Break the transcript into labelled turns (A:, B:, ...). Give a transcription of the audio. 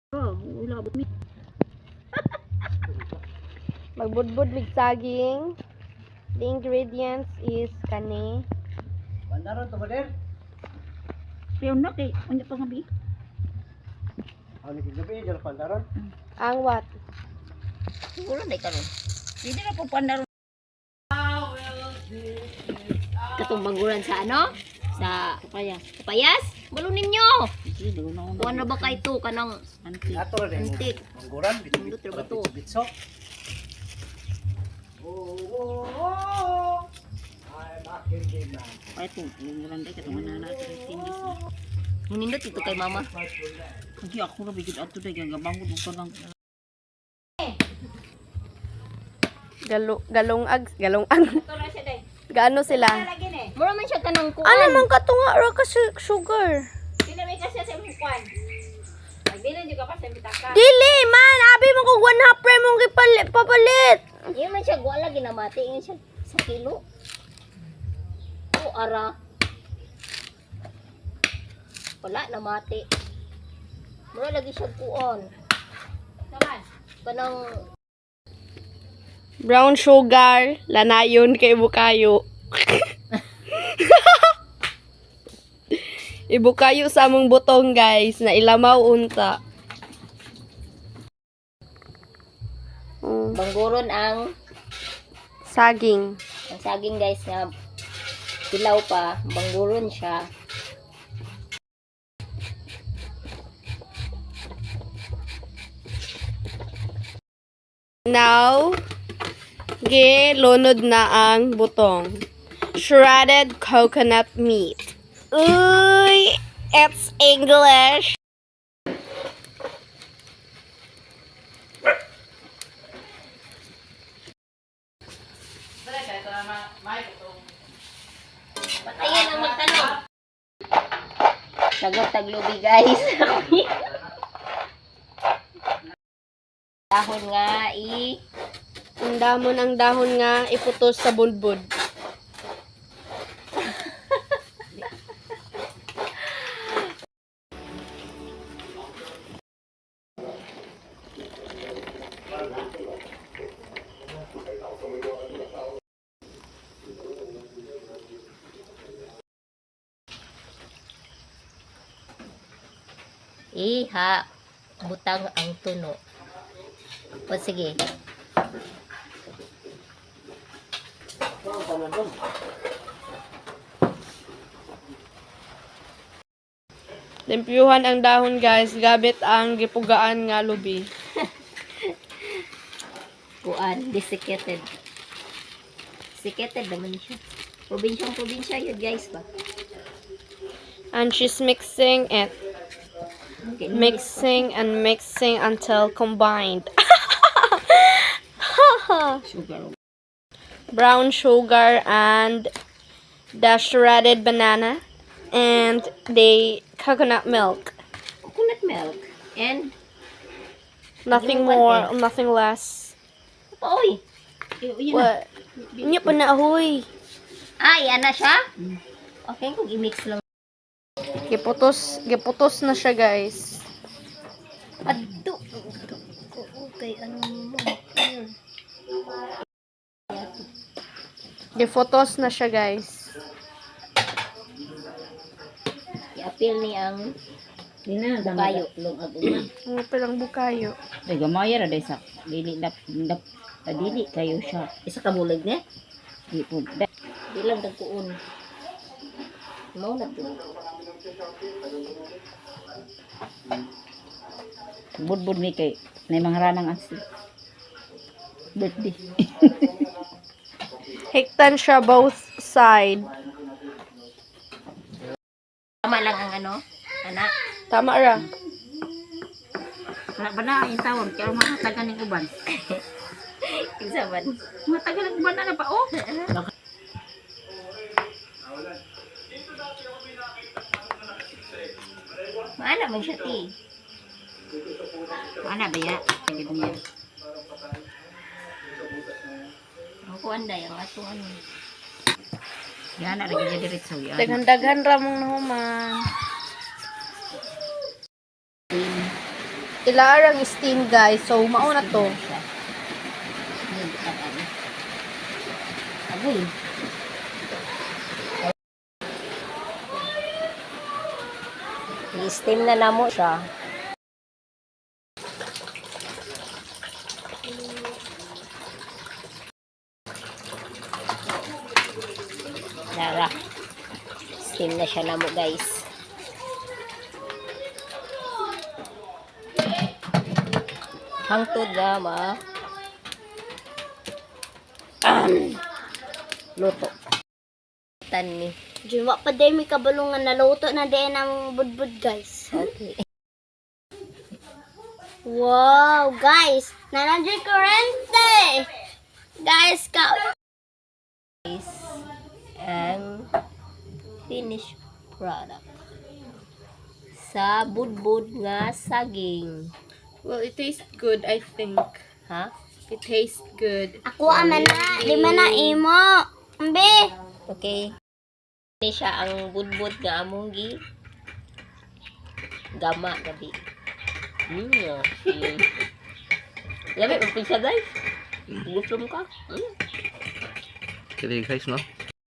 A: Oh, wala abot mi.
B: Magbudbud with saging. The ingredients is kani.
C: Bandaron to bader.
A: Pero na kay unya pa gabi.
C: Ano gabi jero bandaron?
B: Ang what?
A: Siguro na karon. Hindi na po pandaro. Katong bangguran sa ano? Sa kapayas. Kapayas? Balo ninyo. Kuha na ba kay to kanang antik?
C: Ato rin mo.
A: Antik.
C: Mangguran
A: Luto ba to?
C: bitso. Ay bakit din na.
A: Ay to, bangguran day katong manana sa tindis na. Hinindot ito kay mama. Kasi ako ra bigid ato day gabangod ug kanang
B: Galong Gaano sila?
A: mura man siya kanang kuan.
B: Ano man katunga ra ka sugar?
D: Pinamay kasi sa imong kwan. Magdili di ka pa sa bitaka.
B: Dili man, abi mo kog 1/2 pre mong papalit.
A: Iyon man siya wala ginamati iyon siya sa kilo. O ara. Wala na mati. Mura lagi siya kuon.
D: Naman.
A: Kanang
B: Brown sugar, lanayon kay bukayo. Ibukayo sa among butong guys, na ilamaw unta.
A: bangguron ang
B: Saging.
A: saging guys nga dilaw pa, bangguron siya.
B: Now, lunod na ang butong. Shredded coconut meat. Uy, it's English.
A: Patayin ang magtanong. Sagot taglubi guys. Dahon nga
B: Ang dahon nga iputos sa bulbud.
A: iha butang ang tuno. O sige.
B: Tempyuhan ang dahon guys, gabit ang gipugaan nga lubi.
A: Kuan, desiccated. Desiccated naman siya. Probinsya yun guys ba?
B: And she's mixing it.
A: Okay,
B: Mixing and mixing until combined.
A: sugar.
B: Brown sugar and the shredded banana and the coconut milk.
A: Coconut milk. And
B: Nothing
A: Yung one
B: more, nothing less.
A: oy. Yun na.
B: What? Nya pa na huy.
A: Yan na siya? Okay, kung i-mix lang.
B: Giputos na siya guys.
A: Adto. Okay, ano mo?
B: Giputos na siya guys.
A: I-appeal ni ang bukayo.
B: Ano palang bukayo?
E: Ay, gamaya ra day sa dili dili kayo siya.
A: Isa ka bulag niya?
E: Di po.
A: Di lang dagkuon. Mau na to.
E: Budbud ni kay na mga ranang asi. Birthday.
B: Hiktan siya both side.
A: Tama lang ang ano? Anak.
B: Tama ra.
E: Bana yung tawag kaya mahatagan ng uban.
A: Isa man.
E: Mahatagan ng uban na pa oh.
A: Maana man siya ti.
E: Ana ba ya? Gid niya.
A: Ang kuan day ang ato ano.
E: Yan na lagi diretso yan.
B: Daghan-daghan ra mong nahuman. Ilarang steam guys. So mauna to.
E: Agoy.
A: I-steam na namo siya. Nara. Steam na siya namo guys. Hangtod drama. Luto. Tani.
B: Diwa pa day may kabalungan na luto na din ang budbud guys.
A: Okay.
B: Wow, guys. Nandiyan kurente. Guys,
A: And finished product. Sa budbud nga saging.
F: Well, it tastes good, I think.
A: Ha?
F: It tastes good.
B: ako aman na. Di man na imo. Ambi.
A: Okay. Ini siya ang budbud nga among gi gama gabi. Labi, magpinsa guys. Gutom ka.
G: Kaya guys, no?